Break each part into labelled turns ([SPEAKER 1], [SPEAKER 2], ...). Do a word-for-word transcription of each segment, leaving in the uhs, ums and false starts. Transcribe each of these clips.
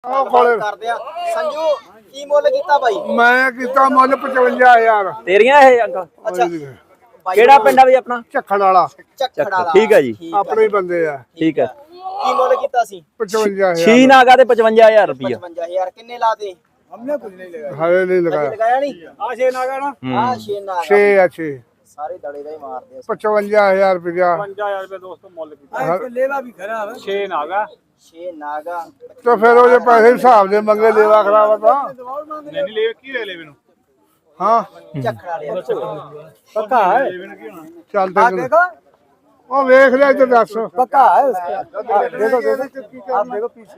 [SPEAKER 1] ਕਰਦੇ ਆ ਸੰਜੂ ਕੀ ਮੁੱਲ ਕੀਤਾ ਬਾਈ?
[SPEAKER 2] ਮੈਂ ਕੀਤਾ ਮੁੱਲ ਪਚਵੰਜਾ ਹਜ਼ਾਰ।
[SPEAKER 3] ਤੇਰੀਆਂ ਇਹ ਅੰਕਲ?
[SPEAKER 1] ਅੱਛਾ
[SPEAKER 3] ਕਿਹੜਾ ਪਿੰਡ ਆ ਬਈ ਆਪਣਾ?
[SPEAKER 2] ਝੱਖੜ ਵਾਲਾ।
[SPEAKER 1] ਝੱਖੜ ਵਾਲਾ
[SPEAKER 3] ਠੀਕ ਹੈ ਜੀ,
[SPEAKER 2] ਆਪਣੇ ਹੀ ਬੰਦੇ ਆ।
[SPEAKER 3] ਠੀਕ ਹੈ।
[SPEAKER 1] ਕੀ ਮੁੱਲ ਕੀਤਾ ਸੀ?
[SPEAKER 2] ਪਚਵੰਜਾ ਹਜ਼ਾਰ।
[SPEAKER 3] ਛੀ ਨਾਗਾ ਤੇ ਪਚਵੰਜਾ ਹਜ਼ਾਰ ਰੁਪਇਆ।
[SPEAKER 1] ਪਚਵੰਜਾ ਹਜ਼ਾਰ ਕਿੰਨੇ ਲਾਤੇ?
[SPEAKER 2] ਹਮਨੇ ਕੁਝ ਨਹੀਂ ਲਗਾਇਆ। ਹਾਲੇ ਨਹੀਂ ਲਗਾਇਆ।
[SPEAKER 1] ਲਗਾਇਆ ਨਹੀਂ?
[SPEAKER 2] ਆ ਛੇ ਨਾਗਾ ਨਾ।
[SPEAKER 1] ਆ ਛੇ ਨਾਗਾ।
[SPEAKER 2] ਛੇ ਆ ਛੇ।
[SPEAKER 1] ਸਾਰੇ ਦੜੇ ਦਾ ਹੀ ਮਾਰਦੇ ਆ।
[SPEAKER 2] ਪਚਵੰਜਾ ਹਜ਼ਾਰ ਰੁਪਇਆ।
[SPEAKER 4] ਪਚਵੰਜਾ ਹਜ਼ਾਰ ਰੁਪਏ ਦੋਸਤੋ ਮੁੱਲ ਕੀਤਾ।
[SPEAKER 2] ਲੇਵਾ ਵੀ ਖਰਾਬ ਹੈ।
[SPEAKER 4] ਛੇ ਨਾਗਾ।
[SPEAKER 1] ਛੇ ਨਾਗਾ
[SPEAKER 2] ਤੇ ਫਿਰ ਉਹ ਜੇ ਪੈਸੇ ਹਿਸਾਬ ਦੇ ਮੰਗੇ ਲੇਵਾ ਖਰਾਬ ਤਾਂ
[SPEAKER 4] ਨਹੀਂ ਨਹੀਂ ਲੈ ਕੀ ਲੈ ਲੈਵੇ ਨੂੰ।
[SPEAKER 2] ਹਾਂ
[SPEAKER 1] ਝੱਖੜ ਵਾਲੇ
[SPEAKER 2] ਪੱਕਾ ਹੈ। ਚੱਲ ਤੇ ਉਹ ਵੇਖ ਲੈ ਇੱਧਰ ਦੱਸ।
[SPEAKER 1] पक्का है उसका। देखो देखो आप देखो पीछे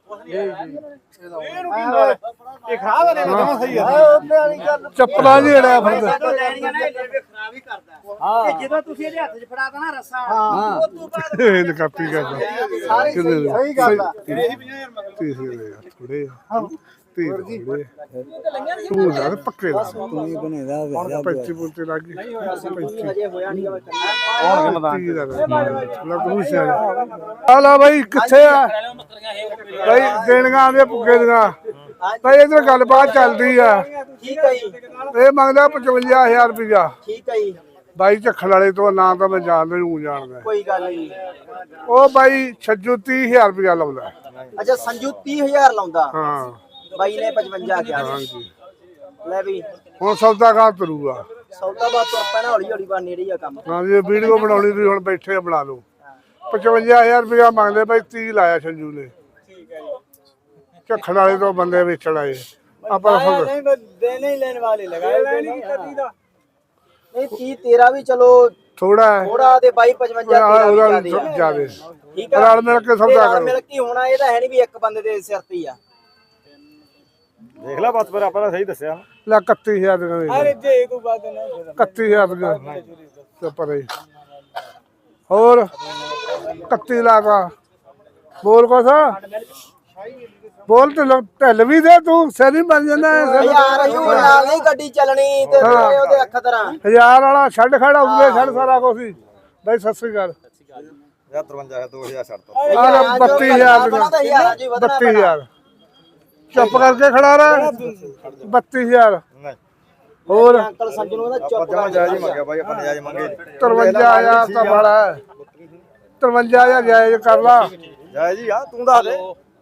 [SPEAKER 4] ਇਹ ਖਰਾਬ ਹੈ ਨਾ ਸਹੀ ਹੈ।
[SPEAKER 2] ਚੱਪਲਾਂ ਜੀ ਜਿਹੜਾ ਫਿਰਦਾ
[SPEAKER 1] ਲੈਣੀਆਂ ਨਾ ਇਹ ਖਰਾਬ ਹੀ ਕਰਦਾ ਤੇ ਜਦੋਂ ਤੁਸੀਂ ਇਹਦੇ ਹੱਥ 'ਚ ਫੜਾਤਾ ਨਾ ਰੱਸਾ ਉਹ ਤੋਂ ਬਾਅਦ
[SPEAKER 2] ਇਹ ਕਾਪੀ ਕਰਦਾ
[SPEAKER 1] ਸਾਰੇ ਸਹੀ ਗੱਲ ਆ।
[SPEAKER 2] ਥੋੜੇ ਥੋੜੇ ਤੂੰ ਯਾਰ ਪੱਕੇ ਲਾ ਤੂੰ ਹੀ ਬਣੇਦਾ ਪੈਂਤੀ ਪੁੰਤੇ ਲੱਗ ਗਈ
[SPEAKER 1] ਹਜੇ ਹੋਇਆ ਨਹੀਂ ਵਾ
[SPEAKER 2] ਹੁਣ ਕਿੰਨਾ ਲੱਗ ਤੂੰ ਸਿਆ ਆ ਲਾ ਬਾਈ ਕਿੱਥੇ ਆ ਬਾਈ ਦੇਣੀਆਂ ਆਂਦੇ ਪੁੱਗੇ ਦੀਆਂ ਬਾਈ ਇਧਰ ਗੱਲਬਾਤ ਚੱਲਦੀ ਆ।
[SPEAKER 1] ਠੀਕ ਹੈ ਜੀ,
[SPEAKER 2] ਇਹ ਮੰਗਦਾ ਪਚਵੰਜਾ ਹਜ਼ਾਰ ਰੁਪਇਆ।
[SPEAKER 1] ਠੀਕ ਹੈ ਜੀ,
[SPEAKER 2] ਬਾਈ ਝੱਖੜ ਵਾਲੇ ਤੋਂ ਨਾਂ ਤਾਂ ਮੈਂ ਜਾਣਦਾ ਨੂੰ ਜਾਣਦਾ।
[SPEAKER 1] ਕੋਈ ਗੱਲ ਨਹੀਂ।
[SPEAKER 2] ਉਹ ਬਾਈ ਛੱਜੂ ਤੀਹ ਹਜ਼ਾਰ ਰੁਪਇਆ ਲਾਉਂਦਾ।
[SPEAKER 1] ਅੱਛਾ ਸੰਜੂ ਤੀਹ ਹਜ਼ਾਰ ਲਾਉਂਦਾ,
[SPEAKER 2] ਹਾਂ
[SPEAKER 1] ਬਾਈ ਨੇ ਪਚਵੰਜਾ ਕਿਹਾ।
[SPEAKER 2] ਹਾਂਜੀ
[SPEAKER 1] ਲੈ ਵੀ
[SPEAKER 2] ਹੁਣ ਸੌਦਾ ਕਾ ਤਰੂਗਾ।
[SPEAKER 1] ਸੌਦਾ ਬਾਤ ਤੋਂ ਪਹਿਲਾਂ ਹੌਲੀ ਹੌਲੀ ਬਾ ਨੇੜੇ ਹੀ ਆ ਕੰਮ।
[SPEAKER 2] ਹਾਂ ਜੀ ਵੀਡੀਓ ਬਣਾਉਣੀ ਤੁਸੀਂ ਹੁਣ ਬੈਠੇ ਆ ਬਣਾ ਲਓ। ਪਚਵੰਜਾ ਹਜ਼ਾਰ ਰੁਪਇਆ ਮੰਗਦੇ ਬਾਈ ਤੀਹ ਲਾਇਆ ਸੰਜੂ ਨੇ। ਝੱਖੜ ਵਾਲੇ ਤੋਂ ਬੰਦੇ ਵੇਚਣ ਆਏ ਆਪਾਂ
[SPEAKER 1] ਦੇਣੇ ਹੀ ਲੈਣ ਵਾਲੇ ਲਗਾਏ ਨਹੀਂ ਕਦੀ ਦਾ ਨਹੀਂ ਤੀਹ ਤੇਰਾ ਵੀ ਚਲੋ
[SPEAKER 2] ਥੋੜਾ ਹੈ
[SPEAKER 1] ਥੋੜਾ ਤੇ ਬਾਈ ਪਚਵੰਜਾ ਤੇਰਾ ਵੀ
[SPEAKER 2] ਉਹਦਾ ਜ਼ਿਆਦੇ
[SPEAKER 1] ਠੀਕ ਹੈ।
[SPEAKER 2] ਰਲ ਮਿਲ ਕੇ ਸੌਦਾ ਕਰੋ।
[SPEAKER 1] ਮਿਲ ਕੇ ਹੋਣਾ ਇਹ ਤਾਂ ਹੈ ਨਹੀਂ ਵੀ ਇੱਕ ਬੰਦੇ ਦੇ ਸਿਰ ਤੇ ਹੀ ਆ।
[SPEAKER 4] ਦੇਖ ਲੈ ਬਸ ਫਿਰ ਆਪਾਂ ਤਾਂ ਸਹੀ ਦੱਸਿਆ।
[SPEAKER 2] ਲੈ ਇਕੱਤੀ ਹਜ਼ਾਰ ਦੇ
[SPEAKER 1] ਅਰੇ ਜੇ ਕੋਈ ਬਾਤ ਨਾ
[SPEAKER 2] ਇਕੱਤੀ ਹਜ਼ਾਰ ਦੇ ਤੇ ਪਰੇ ਹੋਰ ਇਕੱਤੀ ਲਾਗਾ ਬੋਲ ਕੁਛ ਬੋਲ ਤੇ ਢਿੱਲ ਵੀ ਦੇ ਤੂੰ ਸੈਰੀ ਬਣ ਜਾਂਦਾ
[SPEAKER 1] ਯਾਰ ਅਸੀਂ ਉਹ ਨਾਲ ਨਹੀਂ ਗੱਡੀ ਚੱਲਣੀ ਤੇ ਉਹਦੇ ਅੱਖ ਤਰ੍ਹਾਂ
[SPEAKER 2] ਹਜ਼ਾਰ ਵਾਲਾ ਛੱਡ ਖੜਾ ਉੱਤੇ ਛੱਡ ਸਾਰਾ ਕੁਝ ਹੀ ਬਾਈ ਸਤਿ ਸ੍ਰੀ ਅਕਾਲ।
[SPEAKER 4] ਤਰਵੰਜਾ ਦੋ ਹਜ਼ਾਰ ਛੱਡ
[SPEAKER 2] ਆ ਬੱਤੀ ਹਜ਼ਾਰ ਬੱਤੀ ਹਜ਼ਾਰ ਚੁੱਪ ਕਰਕੇ ਖੜਾ ਰਹਿ। ਬੱਤੀ ਹਜ਼ਾਰ ਹੋਰ
[SPEAKER 1] ਅੰਕਲ ਸੰਜੂ ਨੂੰ ਕਹਿੰਦਾ ਚੁੱਪ
[SPEAKER 4] ਜਮਾ ਜਾਇਜ਼ ਮੰਗਿਆ ਬਾਈ ਆਪਾਂ ਜਾਇਜ਼ ਮੰਗੇ।
[SPEAKER 2] ਤਰਵੰਜਾ ਹਜ਼ਾਰ ਤਾਂ ਬੜਾ ਹੈ। ਤਰਵੰਜਾ ਹਜ਼ਾਰ ਜਾਇਜ਼ ਕਰ ਲਾ।
[SPEAKER 4] ਜਾਇਜ਼ ਹੀ ਆ ਤੂੰ ਦੱਸ ਦੇ।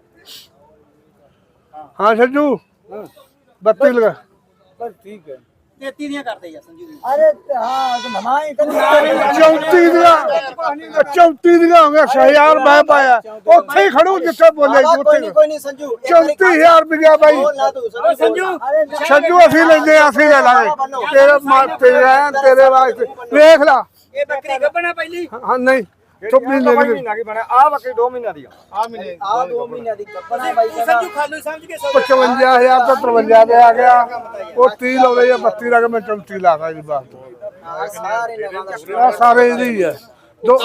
[SPEAKER 2] ਹਾਂ ਸੰਜੂ ਬੱਤੀ ਲਗਾ
[SPEAKER 1] ਬਸ ਠੀਕ ਹੈ। ਤੇਤੀ ਦੀਆਂ ਕਰਦੇ ਯਾਰ ਸੰਜੂ ਦੀ। ਅਰੇ ਹਾਂ ਤੇ ਨਮਾਈ
[SPEAKER 2] ਚੌਂਤੀ ਦੀਆਂ ਚੌਂਤੀ ਦੀਆਂ ਹੋ ਗਿਆ ਛੇ ਹਜ਼ਾਰ ਮੈਂ ਪਾਇਆ ਉੱਥੇ ਹੀ ਖੜੂ ਜਿੱਥੇ ਬੋਲੇ ਉੱਥੇ
[SPEAKER 1] ਕੋਈ ਨਹੀਂ ਸੰਜੂ
[SPEAKER 2] ਚੌਂਤੀ ਹਜ਼ਾਰ ਰੁਪਇਆ ਬਾਈ
[SPEAKER 1] ਸੰਜੂ
[SPEAKER 2] ਸੰਜੂ ਅਸੀਂ ਲੈਂਦੇ ਅਸੀਂ ਲੈ ਲਾਂਗੇ ਤੇਰੇ ਮਾਤੇ ਆ ਤੇਰੇ ਵਾਸਤੇ ਵੇਖ ਲਾ।
[SPEAKER 1] ਇਹ ਬੱਕਰੀ ਗੱਭਣਾ ਪਹਿਲੀ
[SPEAKER 2] ਹਾਂ ਨਹੀਂ ਤੂੰ ਮਹੀਨੇ ਦੀ
[SPEAKER 4] ਮਹੀਨਾ ਕੀ ਬਣਾ ਆ ਬੱਕਰੀ ਦੋ ਮਹੀਨਿਆਂ ਦੀ ਆ।
[SPEAKER 1] ਆ ਮਹੀਨੇ ਆ ਦੋ ਮਹੀਨਿਆਂ ਦੀ ਗੱਭਣਾ ਬਾਈ ਸੰਜੂ ਖਾਲੂ ਸਮਝ ਕੇ
[SPEAKER 2] ਪਚਵੰਜਾ ਹਜ਼ਾਰ ਤੋਂ ਤਰਵੰਜਾ ਦੇ ਆ ਗਿਆ ਉਹ ਤੀਹ ਲਾਉਂਦੇ ਆ ਬੱਤੀ ਲਾ ਕੇ ਮੈਂ ਚੌਂਤੀ ਲਾਦਾ ਜੀ ਬਾਤ
[SPEAKER 1] ਸਾਰੇ ਨਗਾਂ ਦਾ
[SPEAKER 2] ਆ ਸਾਰੇ ਇਹਦੇ ਹੀ ਆ ਦੋ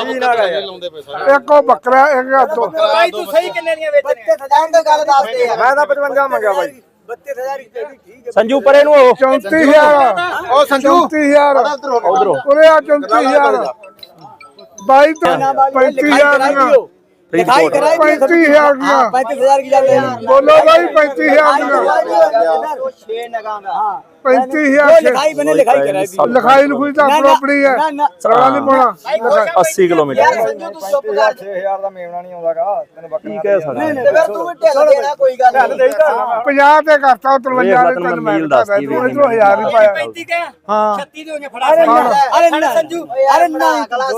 [SPEAKER 2] ਇੱਕ ਉਹ ਬੱਕਰਾ ਇੱਕ ਆ ਦੋ
[SPEAKER 1] ਬਾਈ ਤੂੰ ਸਹੀ ਕਿੰਨੇ ਦੀਆਂ ਵੇਚਣੇ ਆ ਗੱਲ ਦੱਸ ਦੇ ਯਾਰ।
[SPEAKER 4] ਮੈਂ ਤਾਂ ਪਚਵੰਜਾ ਮੰਗਿਆ ਬਾਈ।
[SPEAKER 1] ਬੱਤੀ ਹਜ਼ਾਰ ਰੁਪਏ ਦੀ ਠੀਕ ਹੈ
[SPEAKER 3] ਸੰਜੂ ਪਰੇ ਨੂੰ ਹੋ।
[SPEAKER 2] ਚੌਂਤੀ ਹਜ਼ਾਰ
[SPEAKER 4] ਉਹ ਸੰਜੂ
[SPEAKER 2] ਚੌਂਤੀ ਹਜ਼ਾਰ
[SPEAKER 3] ਉਧਰੋਂ
[SPEAKER 2] ਉਰੇ ਆ ਚੌਂਤੀ ਹਜ਼ਾਰ ਬਾਈ ਤੋਂ ਪੈਂਤੀ ਹਜ਼ਾਰ ਦੀਆਂ
[SPEAKER 3] ਫਰੀਦਕੋਟ
[SPEAKER 2] ਪੈਂਤੀ ਹਜ਼ਾਰ ਦੀਆਂ
[SPEAKER 1] पैंतीस हजार की जाते हैं।
[SPEAKER 2] ਬੋਲੋ ਬਾਈ ਪੈਂਤੀ ਹਜ਼ਾਰ ਦੀਆਂ
[SPEAKER 1] छह नगा में हाँ
[SPEAKER 2] ਪੈਂਤੀ ਹਜ਼ਾਰ
[SPEAKER 1] लिखाई मैंने लिखाई कराई
[SPEAKER 2] ਲਿਖਾਈ ਲਿਖੂਈ ਤਾਂ ਆਪਣੀ ਹੈ ਸੜਾ ਨਹੀਂ ਪਾਉਣਾ
[SPEAKER 3] अस्सी किलोमीटर।
[SPEAKER 1] संजू तू चुप कर
[SPEAKER 4] ਛੇ ਹਜ਼ਾਰ ਦਾ ਮੇਵਣਾ ਨਹੀਂ ਆਉਂਦਾਗਾ ਤੈਨੂੰ ਬੱਕਰੀ
[SPEAKER 3] ਠੀਕ ਹੈ ਸਾਡਾ।
[SPEAKER 1] ਤੇ ਫਿਰ ਤੂੰ ਵੀ ਢਿੱਲ ਦੇਣਾ ਕੋਈ ਗੱਲ ਨਹੀਂ।
[SPEAKER 2] ਪੰਜਾਹ ਤੇ ਕਰਤਾ ਤਰਵੰਜਾ ਦੇ ਤੈਨੂੰ ਮੈਂ ਦੱਸਦਾ ਤੂੰ ਇਧਰੋਂ ਹਜ਼ਾਰ ਹੀ ਪਾਇਆ
[SPEAKER 1] पैंतीस के
[SPEAKER 2] ਹਾਂ
[SPEAKER 1] छत्तीस दे फड़ा अरे ना संजू अरे ना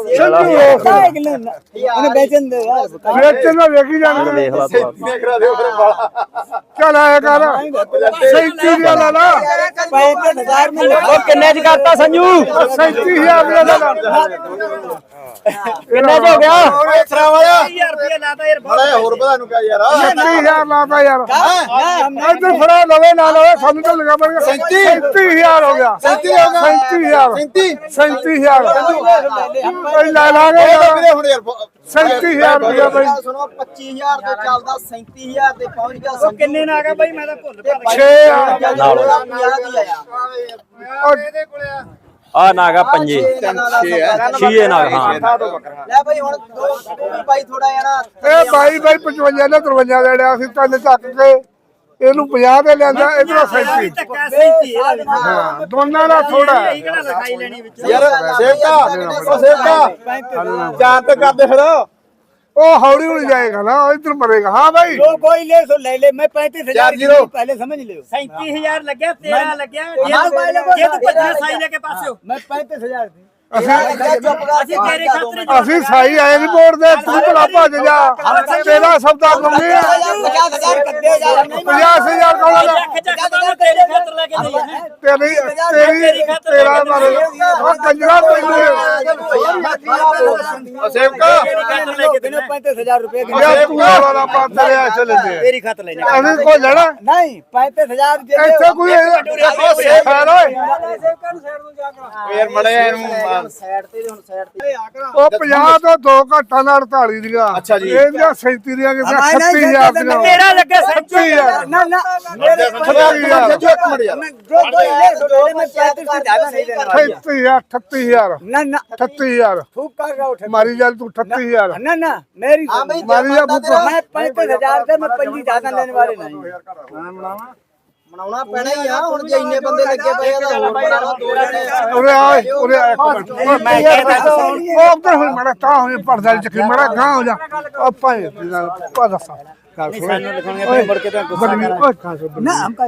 [SPEAKER 2] ਸੰਜੂ
[SPEAKER 1] उन्हें बेचन दे यार
[SPEAKER 2] ਵੇਚਣ ਦਾ ਵੇਖੀ ਜਾਂਦੇ
[SPEAKER 3] ਦੇਖ ਲਾ ਤੂੰ।
[SPEAKER 4] ਦੇਖ ਰਿਹਾ ਦੇਖ ਰਿਹਾ ਬਾਲਾ
[SPEAKER 2] ਚੱਲ ਆਇਆ ਕਰ ਸੈਂਤੀ ਦੀਆਂ ਲਾ ਲਾ
[SPEAKER 1] पैंतीस हजार में
[SPEAKER 3] ਉਹ ਕਿੰਨੇ ਚ ਕਰਤਾ ਸੰਜੂ?
[SPEAKER 2] ਸੈਂਤੀ ਹਜ਼ਾਰ ਦੀਆਂ ਲਾ ਲਾ
[SPEAKER 3] ਕਿੰਨੇ ਚ ਹੋ ਗਿਆ?
[SPEAKER 4] ਓਏ ਸਰਾਵਾਇਆ
[SPEAKER 1] हजार रुपया लाता यार
[SPEAKER 4] ਬੜਾ ਹੋਰ ਵਧਾ ਨੂੰ ਕਿਹਾ ਯਾਰ
[SPEAKER 2] ਸੈਂਤੀ ਹਜ਼ਾਰ ਲਾਤਾ ਯਾਰ ਇੱਧਰ ਫੜਾ ਲਵੇ ਨਾ ਲਵੇ ਸਾਨੂੰ ਤਾਂ ਲਗਾ ਪੜੇਗਾ ਸੈਂਤੀ ਹਜ਼ਾਰ ਹੋ ਗਿਆ
[SPEAKER 4] ਸੈਂਤੀ ਹੋ ਗਿਆ।
[SPEAKER 2] ਸੈਂਤੀ ਹਜ਼ਾਰ
[SPEAKER 4] ਸੈਂਤੀ
[SPEAKER 2] ਸੈਂਤੀ ਹਜ਼ਾਰ ਕੋਈ ਲੈ ਲਾਂਗੇ
[SPEAKER 4] ਵੀਰੇ ਹੁਣ ਯਾਰ
[SPEAKER 2] ਸੈਂਤੀ ਹਜ਼ਾਰ ਰੁਪਇਆ ਬਾਈ
[SPEAKER 1] ਸੁਣੋ पच्चीस हजार ਤੇ ਚੱਲਦਾ सैंतीस हजार ਤੇ ਪਹੁੰਚ ਗਿਆ ਸੰਜੂ ਕਿੰਨੇ ਨਾ ਆ ਗਿਆ ਬਾਈ ਮੈਂ ਤਾਂ ਭੁੱਲ
[SPEAKER 2] ਛੇ
[SPEAKER 1] ਨਾਲ ਪੰਜਾਹ ਦੀ ਆਇਆ
[SPEAKER 2] ਇਹਦੇ ਕੋਲੇ
[SPEAKER 3] ਆ ਨਾਗਾ ਪੰਜੇ ਛੀਏ ਨਾਗ ਹਾਂ
[SPEAKER 1] ਲੈ ਬਈ ਹੁਣ ਦੋ ਬਾਈ ਥੋੜਾ ਜਣਾ
[SPEAKER 2] ਇਹ ਬਾਈ ਬਾਈ ਪਚਵੰਜਾ ਨੇ ਤਰਵੰਜਾ ਲੈਣਿਆ ਸੀ ਤਿੰਨ ਚੱਕ ਕੇ ਇਹਨੂੰ ਪੰਜਾਹ ਦੇ ਲੈਂਦਾ ਇਧਰੋਂ ਸੈਂਤੀ
[SPEAKER 1] ਧੱਕਾ ਸੈਂਤੀ
[SPEAKER 2] ਹਾਂ ਦੋਨਾਂ ਦਾ ਥੋੜਾ ਹੈ
[SPEAKER 1] ਕਿਹੜਾ ਲਿਖਾਈ ਲੈਣੀ ਵਿੱਚ
[SPEAKER 4] ਯਾਰ ਸੇਵਕਾ ਉਹ ਸੇਵਕਾ ਚਾਰ ਤੇ ਕਰਦੇ ਫਿਰ
[SPEAKER 2] ਉਹ ਹੌਲੀ ਹੌਲੀ ਜਾਏਗਾ ਨਾ ਇਧਰ ਮਰੇਗਾ ਹਾਂ ਭਾਈ
[SPEAKER 5] जो कोई ले सो ले ले मैं पैंतीस हजार
[SPEAKER 4] जीरो।
[SPEAKER 5] पहले समझ लियो
[SPEAKER 1] सैंतीस हजार लगे तेरह लगे ये तो ये तो पचास साई लेके पास हो
[SPEAKER 5] मैं पैंतीस हजार
[SPEAKER 2] ਅਸੀਂ
[SPEAKER 1] ਅਸੀਂ ਤੇਰੇ ਖਾਤਰ
[SPEAKER 2] ਅਸੀਂ ਸਾਈ ਆਏ ਨਹੀਂ ਬੋਰਡ ਦੇ ਤੂੰ ਭਲਾ ਭੱਜ ਜਾ ਤੇਰਾ ਸਬਦਾ ਲਾਉਂਦੇ ਆ
[SPEAKER 1] पचास हजार कद्दे हजार नहीं
[SPEAKER 2] ਪੰਜਾਹ ਹਜ਼ਾਰ ਕੋਲ
[SPEAKER 1] ਲੱਖ ਚੱਕ ਤਾਂ ਤੇਰੇ ਖਾਤਰ ਲੈ ਕੇ ਦੇਈ
[SPEAKER 2] ਤੇਰੀ ਤੇਰੀ ਤੇਰਾ ਮਾਰੇ ਉਹ ਕੰਜਰਾ ਤੈਨੂੰ
[SPEAKER 4] ਸੇਵਕਾ
[SPEAKER 5] पैंतीस हजार रुपए की
[SPEAKER 2] ਯਾ ਤੂੰ ਵਾਲਾ ਪਾਤ ਲਿਆ ਚਲੇ ਦੇ
[SPEAKER 1] ਤੇਰੀ ਖਾਤਰ ਲੈ
[SPEAKER 2] ਅਸੀਂ ਕੋਈ ਲੈਣਾ
[SPEAKER 5] नहीं पैंतीस हजार
[SPEAKER 2] ਇੱਥੇ ਕੋਈ ਖੈਰ ਓਏ
[SPEAKER 4] ਯਾਰ ਮੜੇ ਇਹਨੂੰ
[SPEAKER 1] ਸਾਈਡ ਤੇ ਹੁਣ ਸਾਈਡ ਤੇ
[SPEAKER 2] ਉਹ ਪੰਜਾਹ ਤੋਂ ਦੋ ਘੱਟਾ ਨਾਲ ਅੜਤਾਲੀ ਦੀਆਂ
[SPEAKER 4] ਅੱਛਾ ਜੀ।
[SPEAKER 2] ਇਹਦੀਆਂ ਸੈਂਤੀ ਦੀਆਂ ਕਿਸੇ
[SPEAKER 5] ਨਹੀਂ, ਨਹੀਂ,
[SPEAKER 2] ਛੱਤੀ ਹਜ਼ਾਰ ਦੀਆਂ
[SPEAKER 1] ਤੇਰਾ ਲੱਗੇ
[SPEAKER 2] ਛੱਤੀ ਹਜ਼ਾਰ
[SPEAKER 5] ना ना मेरे
[SPEAKER 2] ਛੱਤੀ ਹਜ਼ਾਰ
[SPEAKER 5] जो कोई ले सो ले ले मैं पैंतीस से ज्यादा नहीं देने वाला
[SPEAKER 2] ਅਠੱਤੀ ਹਜ਼ਾਰ ਅਠੱਤੀ ਹਜ਼ਾਰ
[SPEAKER 5] ना ना
[SPEAKER 2] ਅਠੱਤੀ ਹਜ਼ਾਰ
[SPEAKER 5] खूब कर रहा हूँ
[SPEAKER 2] ਮਾਰੀ ਚੱਲ ਤੂੰ ਅਠੱਤੀ ਹਜ਼ਾਰ
[SPEAKER 5] ना ना मेरी
[SPEAKER 2] ਮਾਰੀ ਜਾ ਬੁੱਕ
[SPEAKER 5] मैं पैंतीस हजार से मैं पंजी ज्यादा लेने वाले नहीं
[SPEAKER 1] ਬਣਾਉਣਾ ਪੈਣਾ ਹੀ ਆ ਹੁਣ ਜੇ ਇੰਨੇ ਬੰਦੇ ਲੱਗੇ ਪਏ ਆ ਤਾਂ ਹੋਰ ਬਣਾਉਣਾ ਦੋ ਜਣੇ
[SPEAKER 2] ਉਰੇ ਆ ਓਏ, ਉਰੇ ਆ ਇੱਕ ਮਿੰਟ ਮੈਂ ਕਹਿੰਦਾ ਉਹ ਉੱਧਰ ਹੋਈ ਮੜਾ ਤਾਂ ਹੋਈ ਪਰਦਾ ਚੱਕੀ ਮੜਾ ਗਾਂ ਹੋ ਜਾ ਆਪਾਂ ਇਹ ਨਾਲ ਪਾ ਦੱਸਾਂ ਗੱਲ ਸੁਣ
[SPEAKER 1] ਸਾਨੂੰ ਲਿਖਣਗੇ ਤੇ ਮੁੜ ਕੇ ਤਾਂ ਗੁੱਸਾ
[SPEAKER 2] ਬੜੀ ਓਏ ਖਾਂ ਸੋ
[SPEAKER 5] ना हमका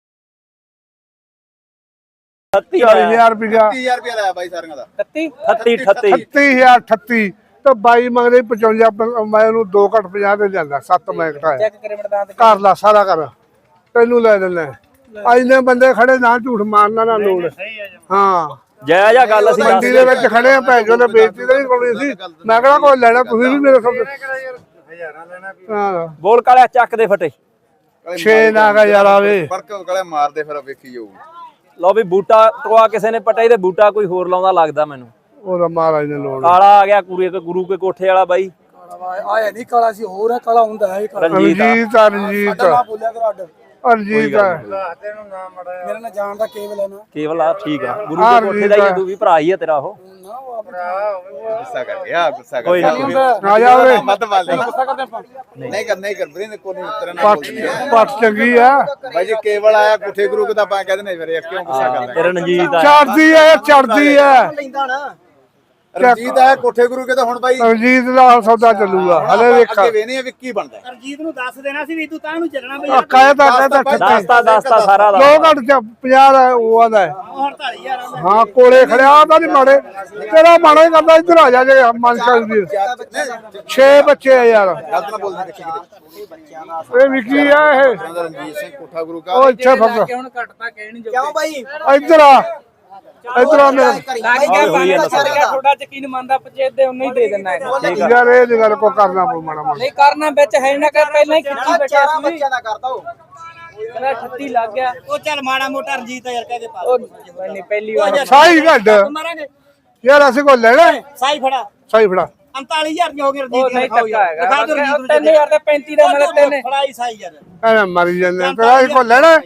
[SPEAKER 2] ਚਾਲੀ ਹਜ਼ਾਰ ਰੁਪਇਆ
[SPEAKER 4] ਤੀਹ ਹਜ਼ਾਰ ਰੁਪਇਆ ਲਾਇਆ ਬਾਈ ਸਾਰਿਆਂ ਦਾ
[SPEAKER 3] ਅਠੱਤੀ ਅਠੱਤੀ
[SPEAKER 2] ਅਠੱਤੀ ਹਜ਼ਾਰ ਅਠੱਤੀ ਤੇ ਬਾਈ ਮੰਗਦੇ ਪਚਵੰਜਾ ਮੈਂ ਉਹਨੂੰ ਦੋ ਘੱਟ ਪੰਜਾਹ ਤੇ ਜਾਂਦਾ ਸੱਤ ਮੈਂ ਘਟਾਇਆ ਕਰ ਲਾ ਸਾਰਾ ਕਰ ਤੈਨੂੰ ਲੈ ਦਿੰਦਾ ਇੰਨੇ ਬੰਦੇ ਖੜੇ ਨਾ ਝੂਠ ਮਾਰਨਾ ਨਾ ਲੋੜ ਹਾਂ
[SPEAKER 3] ਜੈ ਜਾ ਗੱਲ ਅਸੀਂ
[SPEAKER 2] ਮੰਡੀ ਦੇ ਵਿੱਚ ਖੜੇ ਆ ਭੈਣ ਜੋ ਨੇ ਬੇਇੱਜ਼ਤੀ ਤਾਂ ਨਹੀਂ ਕਰਨੀ ਸੀ ਮੈਂ ਕਿਹੜਾ ਕੋਈ ਲੈਣਾ ਤੁਸੀਂ ਵੀ ਮੇਰੇ ਸਭ ਹਾਂ
[SPEAKER 3] ਬੋਲ ਕਾਲਿਆ ਚੱਕ ਦੇ ਫਟੇ
[SPEAKER 2] ਛੇ ਨਾਗਾ ਯਾਰ ਆਵੇ
[SPEAKER 4] ਫਰਕ ਗਲੇ ਮਾਰਦੇ ਫਿਰ ਵੇਖੀ ਜਾਊ
[SPEAKER 3] ਲਓ ਵੀ ਬੂਟਾ ਟਵਾ ਕਿਸੇ ਨੇ ਪਟਾਈ ਤੇ ਬੂਟਾ ਕੋਈ ਹੋਰ ਲਾਉਂਦਾ ਲੱਗਦਾ ਮੈਨੂੰ
[SPEAKER 2] ਉਹਦਾ ਮਹਾਰਾਜ ਨੇ ਲੋੜ
[SPEAKER 3] ਕਾਲਾ ਆ ਗਿਆ ਕੁੜੀ ਕੇ ਗੁਰੂ ਕੇ ਕੋਠੇ ਵਾਲਾ ਬਾਈ
[SPEAKER 5] आया नहीं काला सी हो रहा काला हुंदा है
[SPEAKER 3] ਰਣਜੀਤ ਆ।
[SPEAKER 2] ਰਣਜੀਤ ਰਣਜੀਤ
[SPEAKER 5] बोलिया करो अड्ड
[SPEAKER 2] ਰਣਜੀਤ ਹੈ
[SPEAKER 5] मेरा ना जान दा केवल है ना
[SPEAKER 3] ਕੇਵਲ ਆ ਠੀਕ ਆ ਗੁਰੂ ਕੇ ਕੋਠੇ ਦਾ ਹੀ ਆ, ਤੂੰ ਵੀ ਭਰਾ ਹੀ ਆ ਤੇਰਾ ਉਹ
[SPEAKER 4] ਗੁੱਸਾ ਕਰ ਗਿਆ ਗੁੱਸਾ ਕਰ
[SPEAKER 3] ਕੋਈ
[SPEAKER 4] ਗਿਆ
[SPEAKER 3] ਨਾ।
[SPEAKER 2] ਆ ਜਾ ਓਏ
[SPEAKER 4] ਮਤ ਵਾਲੇ ਨਹੀਂ ਕਰ ਨਹੀਂ ਕਰ ਬਰੇ ਕੋਈ ਨਹੀਂ ਤੇਰਾ ਨਾਮ
[SPEAKER 2] ਪੱਟ ਪੱਟ ਚੰਗੀ ਆ
[SPEAKER 4] ਬਾਈ ਜੀ ਕੇਵਲ ਆਇਆ ਕੁੱਠੇ ਗੁਰੂ ਦਾ ਆਪਾਂ ਕਹਿੰਦੇ ਨੇ ਫਿਰ ਇਹ ਕਿਉਂ ਗੁੱਸਾ
[SPEAKER 3] ਤੇ
[SPEAKER 4] ਕਰਦਾ
[SPEAKER 3] ਰਣਜੀਤ ਆ
[SPEAKER 2] ਚੜਦੀ ਐ ਚੜਦੀ ਐ
[SPEAKER 1] ਲੈਂਦਾ ਨਾ
[SPEAKER 4] ਰਣਜੀਤ ਆਇਆ ਕੋਠੇ ਗੁਰੂ ਕੇ ਤਾਂ ਹੁਣ ਬਾਈ
[SPEAKER 2] ਰਣਜੀਤ ਦਾ ਸੌਦਾ ਚੱਲੂਗਾ ਹਲੇ ਵੇਖ
[SPEAKER 4] ਅੱਗੇ ਵੇਨੇ ਆ ਵੀ ਕੀ ਬਣਦਾ ਹੈ।
[SPEAKER 1] ਅਰਜੀਤ ਨੂੰ ਦੱਸ ਦੇਣਾ ਸੀ ਵੀ ਤੂੰ ਤਾਂ ਨੂੰ ਚੱਲਣਾ ਬਈ
[SPEAKER 2] ਕਾਇਦਾ ਕਾਇਦਾ
[SPEAKER 3] ਦਸਤਾ ਦਸਤਾ ਸਾਰਾ ਦਾ
[SPEAKER 2] ਦੋ ਘੱਟ ਚ ਪੰਜਾਹ ਦਾ ਉਹ ਆਦਾ
[SPEAKER 1] ਹੁਣ ਅੜਤਾਲੀ ਹਜ਼ਾਰ ਆਉਂਦਾ
[SPEAKER 2] ਹਾਂ ਕੋਲੇ ਖੜਿਆ ਤਾਂ ਨਹੀਂ ਮਾੜੇ ਤੇਰਾ ਮਾੜਾ ਹੀ ਕਰਦਾ ਇੱਧਰ ਆ ਜਾ ਜੇ ਮਨ ਚੱਲਦੀ ਛੇ ਬੱਚੇ ਆ ਯਾਰ
[SPEAKER 4] ਗਲਤ ਨਾ ਬੋਲਦੇ ਦੇਖੀ ਕਿਤੇ
[SPEAKER 2] ਇਹ ਵਿਕੀ ਆ ਇਹ
[SPEAKER 4] ਰਣਜੀਤ ਸਿੰਘ ਕੋਠਾ ਗੁਰੂ ਕਾ
[SPEAKER 2] ਉਹ ਇੱਥੇ ਫਸ
[SPEAKER 1] ਕਿਉਂ ਬਾਈ
[SPEAKER 2] ਇੱਧਰ ਆ ਇੱਧਰ ਆ ਮੇਰੇ
[SPEAKER 6] ਥੋੜਾ ਯਕੀਨ ਮੰਨਦਾ ਪੰਚਾਇਤ ਦੇ ਉਹਨੇ ਹੀ ਦੇ ਦੇਣਾ ਹੈ
[SPEAKER 2] ਯਾਰ ਇਹ ਨੀ ਗੱਲ ਕੋ ਕਰਨਾ ਪਊ ਮਾੜਾ ਮਾੜਾ
[SPEAKER 6] ਨਹੀਂ ਕਰਨਾ ਵਿੱਚ ਹੈ ਨਾ ਕਰ ਪਹਿਲਾਂ ਹੀ ਖਿੱਚੀ ਬੈਠਾ
[SPEAKER 1] ਚਾਰਾਂ
[SPEAKER 6] ਸੀ
[SPEAKER 1] ਬੱਚਿਆਂ ਦਾ ਕਰਦਾ ਉਹ
[SPEAKER 6] ਕਹਿੰਦਾ ਅਠੱਤੀ ਲੱਗ ਗਿਆ
[SPEAKER 1] ਉਹ ਚੱਲ ਮਾੜਾ ਮੋਟਾ ਰਣਜੀਤ ਯਾਰ ਕਹਿ ਕੇ ਪਾ
[SPEAKER 6] ਉਹ ਨਹੀਂ ਪਹਿਲੀ ਵਾਰ
[SPEAKER 2] ਸਾਈ ਘੱਟ
[SPEAKER 1] ਮਾਰਾਂਗੇ
[SPEAKER 2] ਯਾਰ ਅਸੀਂ ਕੋ ਲੈਣਾ
[SPEAKER 1] ਸਾਈ ਫੜਾ
[SPEAKER 2] ਸਾਈ ਫੜਾ
[SPEAKER 1] ਉਨਤਾਲੀ ਹਜ਼ਾਰ ਦੀਆਂ ਹੋ ਗਈਆਂ
[SPEAKER 6] ਉਹ
[SPEAKER 1] ਰਣਜੀਤ
[SPEAKER 6] ਨਹੀਂ
[SPEAKER 1] ਦੀਆਂ
[SPEAKER 6] ਧੱਕਾ
[SPEAKER 1] ਦਿਖਾ ਦਿਓ
[SPEAKER 6] ਹੈਗਾ
[SPEAKER 1] ਰਣਜੀਤ
[SPEAKER 6] ਤਿੰਨ ਹਜ਼ਾਰ ਦਾ ਪੈਂਤੀ ਦਾ ਮਿਲੇ ਤਿੰਨ
[SPEAKER 1] ਫੜਾਈ ਸਾਈ ਯਾਰ
[SPEAKER 2] ਐਵੇਂ ਮਰੀ ਜਾਂਦੇ ਤੇਰਾ ਅਸੀਂ ਕੋ ਲੈਣਾ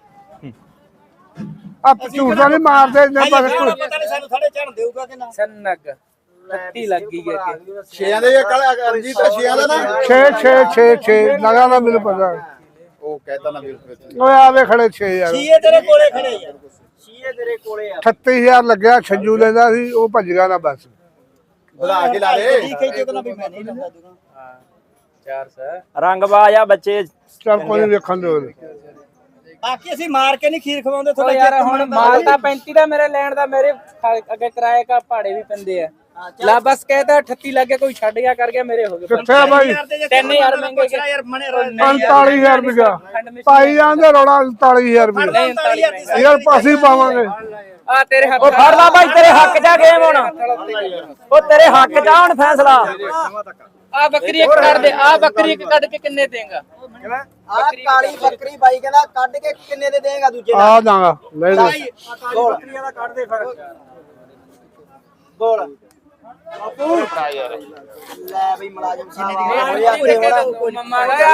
[SPEAKER 2] ਆ ਝੂਠਾ ਨਹੀਂ ਮਾਰਦੇ ਇੰਨੇ
[SPEAKER 1] ਭਾਈ
[SPEAKER 2] ਪਰ
[SPEAKER 1] ਪਤਾ ਨਹੀਂ ਸਾਨੂੰ ਥੜੇ ਚੜਨ ਦੇਊਗਾ ਕਿ ਨਾ
[SPEAKER 6] ਸੰਨਗ ਅਠੱਤੀ ਲੱਗ ਗਈ ਕਿ
[SPEAKER 4] ਛੇਆਂ ਦੇ ਇਹ ਕੱਲ ਰਣਜੀਤ ਦਾ ਛੇਆਂ ਦਾ ਨਾ
[SPEAKER 2] ਛੇ ਛੇ ਛੇ ਛੇ ਲਗਾ ਨਾ ਮੈਨੂੰ ਪਤਾ
[SPEAKER 4] ਉਹ ਕਹਿਤਾ ਨਾ ਵੀਰ
[SPEAKER 2] ਓਏ ਆਵੇ ਖੜੇ ਛੇ ਯਾਰ
[SPEAKER 1] ਸ਼ੀਏ ਤੇਰੇ ਕੋਲੇ ਖੜੇ ਯਾਰ ਸ਼ੀਏ ਤੇਰੇ ਕੋਲੇ ਆ
[SPEAKER 2] ਅਠੱਤੀ ਹਜ਼ਾਰ ਲੱਗਿਆ ਛੱਜੂ ਲੈਂਦਾ ਸੀ ਉਹ ਭੱਜ ਗਿਆ ਨਾ ਬਸ
[SPEAKER 4] ਵਧਾ ਕੇ ਲਾ ਦੇ
[SPEAKER 1] ਠੀਕ ਹੈ ਜਦੋਂ ਨਾ ਵੀ ਮੈਂ ਨਹੀਂ ਲੰਦਾ ਦੂਗਾ
[SPEAKER 6] ਚਾਰ ਸੌ
[SPEAKER 3] ਰੰਗਬਾਜ ਆ ਬੱਚੇ
[SPEAKER 2] ਚੱਲ ਕੋਈ ਨੀ ਵੇਖਣ ਦਿਓ
[SPEAKER 1] ਬਾਕੀ ਅਸੀਂ ਮਾਰ ਕੇ ਨਹੀਂ ਖੀਰ ਖਵਾਉਂਦੇ
[SPEAKER 6] ਉਹ
[SPEAKER 1] ਤੁਹਾਡੇ
[SPEAKER 6] ਯਾਰ ਹੁਣ ਮਾਲ ਤਾਂ ਪੈਂਤੀ ਦਾ ਮੇਰੇ ਲੈਣ ਦਾ ਮੇਰੇ ਅੱਗੇ ਕਿਰਾਏ ਕਾ ਭਾੜੇ ਵੀ ਪੈਂਦੇ ਆ ਲਾ ਬਸ ਕਹਿਦਾ ਅਠੱਤੀ ਲੱਗ ਗਿਆ ਕੋਈ ਛੱਡ ਗਿਆ ਕਰ ਗਿਆ ਮੇਰੇ ਹੋ ਗਏ
[SPEAKER 2] ਕਿੱਥੇ ਆ ਬਾਈ
[SPEAKER 6] ਤਿੰਨ ਹਜ਼ਾਰ ਮਹਿੰਗੇ
[SPEAKER 1] ਪੁੱਛ ਯਾਰ ਮਨੇ
[SPEAKER 2] ਉਨਤਾਲੀ ਹਜ਼ਾਰ ਰੁਪਇਆ ਪਾਈ ਜਾਂਦੇ ਰੋੜਾ ਉਨਤਾਲੀ ਹਜ਼ਾਰ ਰੁਪਇਆ
[SPEAKER 1] ਉਨਤਾਲੀ ਹਜ਼ਾਰ ਦੀ ਸਾਈ
[SPEAKER 2] ਯਾਰ ਪਾਸੀ ਪਾਵਾਂਗੇ
[SPEAKER 6] ਆ ਤੇਰੇ ਹੱਥ
[SPEAKER 3] ਉਹ ਫੜ ਲਾ ਬਾਈ ਤੇਰੇ ਹੱਕ ਜਾ ਗੇਮ ਹੁਣ ਉਹ ਤੇਰੇ ਹੱਕ ਜਾ ਹੁਣ ਫੈਸਲਾ
[SPEAKER 6] ਆ ਬੱਕਰੀ ਇੱਕ ਕੱਢ ਦੇ ਆ ਬੱਕਰੀ ਇੱਕ ਕੱਢ ਕੇ ਕਿੰਨੇ ਦੇਗਾ
[SPEAKER 1] ਆ ਕਾਲੀ ਬੱਕਰੀ ਬਾਈ ਕਹਿੰਦਾ ਕੱਢ ਕੇ ਕਿੰਨੇ ਦੇ ਦੇਗਾ ਦੂਜੇ ਦਾ
[SPEAKER 2] ਆ ਦਾਂਗਾ ਲੈ ਲੈ
[SPEAKER 1] ਬੱਕਰੀਆਂ ਦਾ ਕੱਢ ਦੇ ਫਿਰ ਬੋਲ
[SPEAKER 5] ਲੈ ਬਈ ਮੁਲਾਜ਼ਮ ਸਾਹਿਬ
[SPEAKER 6] ਮੰਮਾ ਦਾ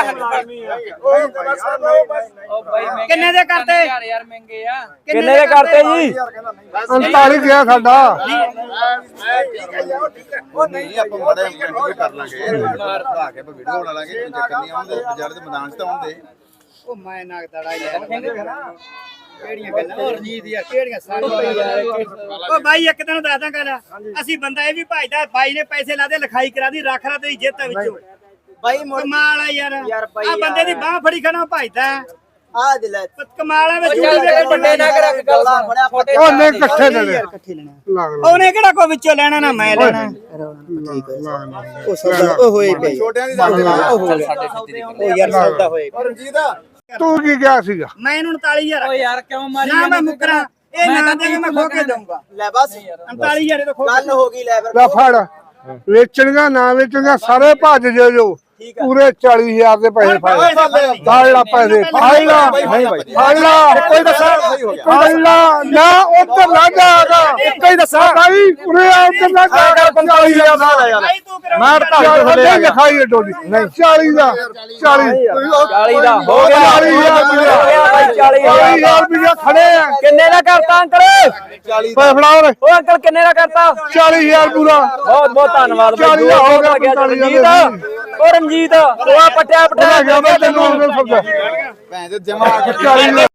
[SPEAKER 6] ਉਹ ਬਾਈ ਮਹਿੰਗੇ
[SPEAKER 1] ਕਿੰਨੇ ਦੇ ਕਰਤੇ?
[SPEAKER 6] ਯਾਰ ਯਾਰ ਮਹਿੰਗੇ ਆ
[SPEAKER 3] ਕਿੰਨੇ ਦੇ ਕਰਤੇ ਜੀ?
[SPEAKER 2] ਉਨਤਾਲੀ ਗਿਆ ਸਾਡਾ।
[SPEAKER 4] ਉਹ ਨਹੀਂ ਆਪਾਂ ਮੜੇ ਵੀ ਕਰ ਲਾਂਗੇ ਲਾ ਕੇ ਆਪਾਂ ਵੀਡੀਓ ਬਣਾ ਲਾਂਗੇ ਕੋਈ ਚੱਕਰ ਨਹੀਂ ਆਉਂਦੇ ਬਾਜ਼ਾਰ ਦੇ ਮੈਦਾਨ 'ਚ ਤਾਂ ਆਉਂਦੇ
[SPEAKER 1] ਉਹ ਮੈਂ ਨਾਗ ਤੜਾ ਯਾਰ ਕਿਹੜੀਆਂ ਗੱਲਾਂ ਹੋਰ ਜੀ ਦੀਆਂ ਕਿਹੜੀਆਂ ਸਾਰੀਆਂ ਉਹ ਬਾਈ ਇੱਕ ਦਿਨ ਦੱਸਦਾ ਗੱਲ ਅਸੀਂ ਬੰਦਾ ਇਹ ਵੀ ਭਾਈਦਾ ਬਾਈ ਨੇ ਪੈਸੇ ਲਾਦੇ ਲਿਖਾਈ ਕਰਾ ਦੀ ਰੱਖ ਰਾ ਤੇਰੀ ਜਿੱਤ ਵਿੱਚੋਂ
[SPEAKER 5] ਬਾਈ ਮੁੜ
[SPEAKER 1] ਕਮਾਲ ਆ ਯਾਰ
[SPEAKER 5] ਯਾਰ ਬਾਈ
[SPEAKER 1] ਆ ਬੰਦੇ ਦੀ ਬਾਹ ਫੜੀ ਖੜਾ ਭਾਈਦਾ
[SPEAKER 5] ਆ ਦੇ ਲੈ
[SPEAKER 1] ਕਮਾਲ ਆ ਵਿੱਚ
[SPEAKER 6] ਚੱਲ ਦੇ ਵੱਡੇ ਨਾ ਕਰ ਗੱਲ ਸੁਣ ਛੋਟੇ
[SPEAKER 2] ਉਹ ਨਹੀਂ ਇਕੱਠੇ ਦੇ ਦੇ
[SPEAKER 5] ਇਕੱਠੇ ਲੈਣਾ
[SPEAKER 2] ਲੱਗ ਲੱਗ
[SPEAKER 1] ਉਹਨੇ ਕਿਹੜਾ ਕੋ ਵਿੱਚੋਂ ਲੈਣਾ ਨਾ ਮੈਂ ਲੈਣਾ
[SPEAKER 5] ਉਹ ਸੌਦਾ ਉਹ ਹੋਏ ਪਏ
[SPEAKER 4] ਛੋਟਿਆਂ ਦੀ ਦੱਸ
[SPEAKER 5] ਉਹ ਯਾਰ ਸੌਦਾ ਹੋਏ
[SPEAKER 4] ਔਰ ਰਣਜੀਤ
[SPEAKER 2] ਤੂੰ ਕੀ ਕਿਹਾ ਸੀਗਾ?
[SPEAKER 1] ਮੈਂ ਇਹਨੂੰ ਉਨਤਾਲੀ ਹਜ਼ਾਰ
[SPEAKER 6] ਓ ਯਾਰ ਕਿਉਂ ਮਾਰੀ
[SPEAKER 1] ਨਾ ਮੈਂ ਮੁਕਰਾਂ ਇਹ ਨਾ ਦੇ ਕੇ ਮੈਂ ਖੋ ਕੇ ਦਊਂਗਾ
[SPEAKER 5] ਲੈ ਬਸ
[SPEAKER 1] ਉਨਤਾਲੀ ਹਜ਼ਾਰ ਇਹ ਤਾਂ ਖੋ
[SPEAKER 5] ਗੱਲ ਹੋ ਗਈ ਲੈ ਫਿਰ
[SPEAKER 2] ਲੈ ਫੜ ਵੇਚਣੀਆਂ ਨਾ ਵੇਚਣੀਆਂ ਸਾਰੇ ਭੱਜ ਜੇ ਜੋ ਪੂਰੇ ਚਾਲੀ ਹਜ਼ਾਰ ਦੇ ਪੈਸੇ ਫੜ ਫੜ ਲਾ ਪੈਸੇ ਫੜ ਲਾ ਫੜ ਲਾ ਕੋਈ ਦੱਸਾ ਫੜ ਲਾ ਨਾ ਉੱਧਰ ਨਾ ਜਾਗਾ ਇੱਕ ਹੀ ਦੱਸਾ ਭਾਈ ਉਰੇ ਆ ਉੱਧਰ ਨਾ ਜਾਗਾ ਪੰਤਾਲੀ ਹਜ਼ਾਰ ਦਾ
[SPEAKER 1] ਭਾਈ ਤੂੰ ਫਿਰ
[SPEAKER 2] ਮੈਂ ਢਾਈ ਥੱਲੇ ਲਿਖਾਈ ਡੋਲੀ ਨਹੀਂ ਚਾਲੀ ਦਾ ਚਾਲੀ
[SPEAKER 3] ਚਾਲੀ ਦਾ ਹੋ ਗਿਆ
[SPEAKER 2] ਚਾਲੀ ਹਜ਼ਾਰ
[SPEAKER 3] ਹੋ ਗਿਆ ਬਾਈ ਚਾਲੀ
[SPEAKER 2] ਚਾਲੀ
[SPEAKER 3] ਹਜ਼ਾਰ
[SPEAKER 2] ਹਜ਼ਾਰ ਰੁਪਇਆ ਖੜੇ ਆ
[SPEAKER 3] ਕਿੰਨੇ ਦਾ ਕਰਤਾ ਅੰਕਲ
[SPEAKER 2] ਪੈਸੇ ਫੜਾ ਉਰੇ
[SPEAKER 3] ਉਹ ਅੰਕਲ ਕਿੰਨੇ ਦਾ ਕਰਤਾ?
[SPEAKER 2] ਚਾਲੀ ਹਜ਼ਾਰ ਪੂਰਾ
[SPEAKER 3] ਬਹੁਤ ਬਹੁਤ ਧੰਨਵਾਦ ਬਾਈ
[SPEAKER 2] ਚਾਲੀ ਹੋ ਗਿਆ,
[SPEAKER 3] ਗਿਆ
[SPEAKER 2] ਪੰਤਾਲੀ
[SPEAKER 3] ਰਣਜੀਤ ਉਹ ਰਣਜੀਤ ਉਹ ਆ ਪਟਿਆ
[SPEAKER 2] ਲੈ
[SPEAKER 3] ਪਟਿਆ
[SPEAKER 2] ਗਿਆ ਮੈਂ ਤੈਨੂੰ ਉਹਨੇ ਸਬਜ਼ਾ
[SPEAKER 4] ਭੈਣ ਦੇ ਜਮਾ
[SPEAKER 2] ਚਾਲੀ